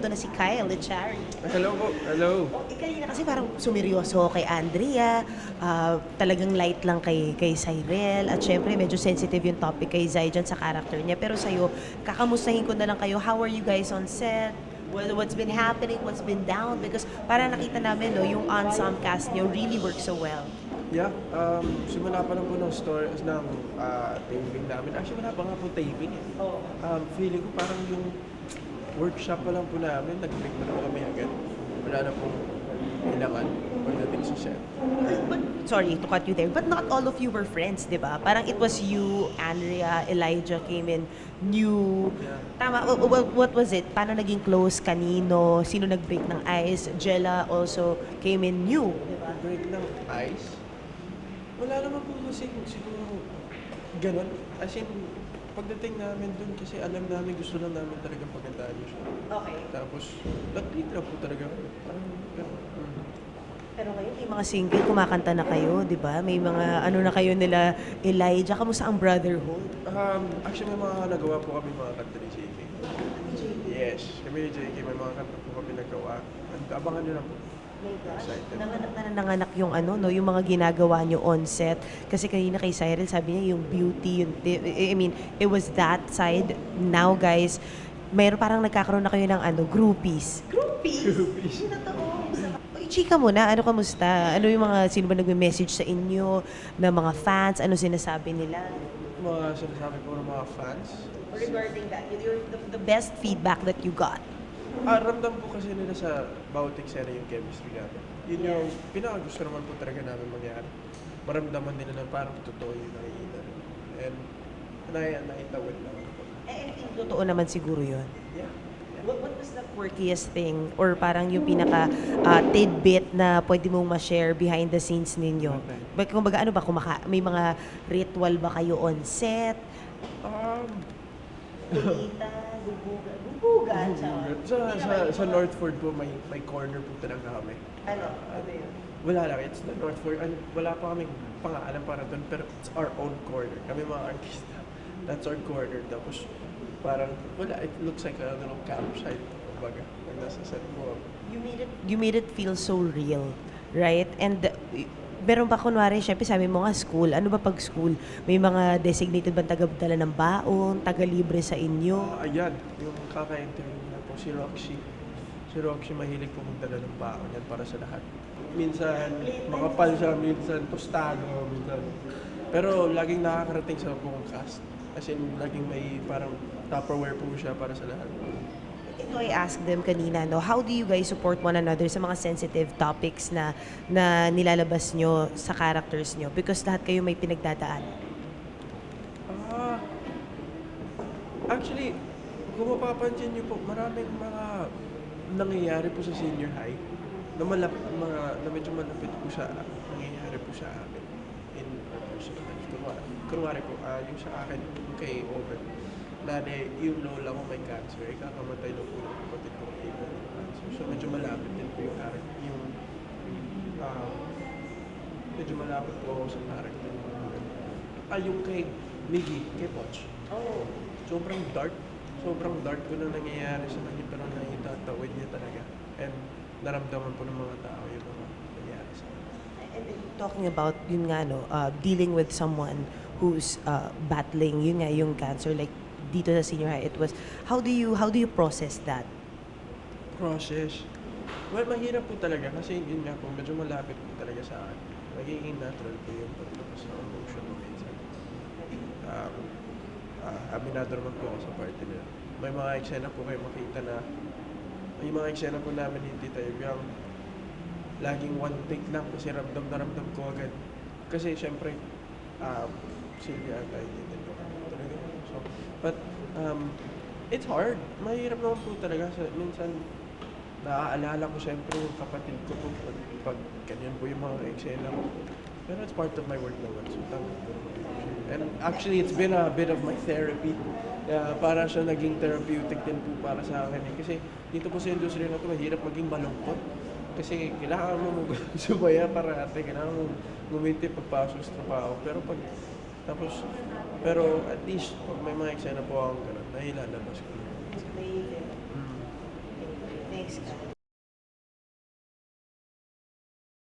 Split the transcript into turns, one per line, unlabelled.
ito na si Kyle Echari.
Hello po, hello.
Kanina kasi parang sumiryoso kay Andrea, talagang light lang kay Cyril, at syempre medyo sensitive yung topic kay Zai dyan sa character niya. Pero sa'yo, kakamustahin ko na lang kayo, how are you guys on set? What's been happening, what's been down? Because parang nakita namin, no, yung ensemble cast niyo really works so well.
Yeah, simula pa lang po ng stories ng taping namin. Actually, wala pa nga po taping eh. Feeling ko parang yung workshop pa lang po namin, nag-break na po kami agad. Wala na pong kailangan pagdating sa set.
But, sorry to cut you there, but not all of you were friends, di ba? Parang it was you, Andrea, Elijah came in new.
Yeah.
Tama, what was it? Paano naging close? Kanino? Sino nag-break ng ice? Jella also came in new, di ba?
Break ng ice? Wala naman po kasi siguro ganun. As in, pagdating namin dun kasi alam namin gusto lang namin talaga pagandaan yung show.
Okay.
Tapos, nag-treat lang po talaga. Parang ganun.
Pero ngayon, may mga single, kumakanta na kayo, di ba? May mga ano na kayo nila, Elijah, kamusta ang brotherhood?
Actually, may mga nagawa po kami mga kanta ni JK. Yes, kami ni JK, may mga kanta po kami nagawa. Abangan nyo lang po. Excited.
Nanganak yung ano, no, yung mga ginagawa nyo on set. Kasi kanina kay Cyril, sabi niya yung beauty, yung, I mean, it was that side. Now, guys, mayroon parang nagkakaroon na kayo ng ano, groupies.
Groupies.
Uy, chika muna, ano kamusta? Ano yung mga, sino ba nagme-message sa inyo, na mga fans, ano sinasabi nila?
Mga sinasabi po ng mga fans.
Regarding that, the best feedback that you got.
Ramdam po kasi nila sa bawat eksena yung chemistry namin. Yun yung pinakagusto naman po talaga namin mangyari. Maramdaman nila na parang totoo yung nakikita. And naitawid lang po.
Totoo naman siguro yun.
Yeah.
What was the quirkiest thing or parang yung pinaka tidbit na pwede mong ma-share behind the scenes ninyo?
Okay.
Kumbaga ano ba, may mga ritual ba kayo on set? Kumita, gubugan,
Sa Northford po, may corner po talaga kami.
Ano yun?
Wala lang, it's the Northford. Wala pa kaming pangalan para doon, pero it's our own corner. Kami mga artista, that's our corner. Tapos parang, wala, it looks like a little campsite. Kumbaga, pag nasa set mo.
You made it feel so real, right? And meron pa kunwari, syempre sabi mo nga school, ano ba pag school? May mga designated bang taga-dala ng baon, taga-libre sa inyo?
Ayan, yung kaka-interview na po, si Roxy. Si Roxy mahilig po magdala ng baon yan para sa lahat. Minsan makapal siya, minsan tostado, minsan. Pero laging nakakarating sa buong cast. As in, laging may parang Tupperware po siya para sa lahat.
Ito I asked them kanina, no, how do you guys support one another sa mga sensitive topics na nilalabas nyo sa characters nyo? Because lahat kayo may pinagdadaan.
Actually, kung mapapansin niyo po, maraming mga nangyayari po sa senior high na medyo malapit po sa nangyayari po sa amin in our personal life. Kunwari po, yung sa akin, yung kay Owen, yung lola ko may cancer, kakamatay na po ng kapatid ko kay cancer. So medyo malapit din po medyo malapit po ako sa character. Yung kay Miggy, kay Poch.
Oh.
Sobrang dark po na nangyayari sa kanya, pero naitatawid niya talaga. And naramdaman po ng mga tao yung mga nangyayari sa kanya.
And talking about yun nga, no, dealing with someone who's battling yun nga yung cancer, like dito sa senior high, it was how do you process that?
Process. Well, mahirap po talaga kasi yun nga po, medyo malapit po talaga sa akin. Magiging natural po yung pagtapos ng emotion mo minsan. Aminado naman po ako sa party nila. May mga eksena po kayo makita na may mga eksena po namin hindi tayo yung laging one take lang kasi ramdam na ramdam ko agad. Kasi syempre, Sylvia at I didn't know talaga. So, but, it's hard. Mahirap naman po talaga. Minsan, naaalala ko syempre yung kapatid ko po pag ganyan po yung mga eksena ko. Pero it's part of my work naman. So, tama po. And actually, it's been a bit of my therapy. Para siya naging therapeutic din po para sa akin. Kasi dito po sa industry na ito, mahirap maging malungkot. Kasi kailangan mo sumaya parate, kailangan mo ngumiti pagpasok sa trabaho. Pero at least, pag may mga eksena po akong ganun, nahilalabas ko.
Miss ka.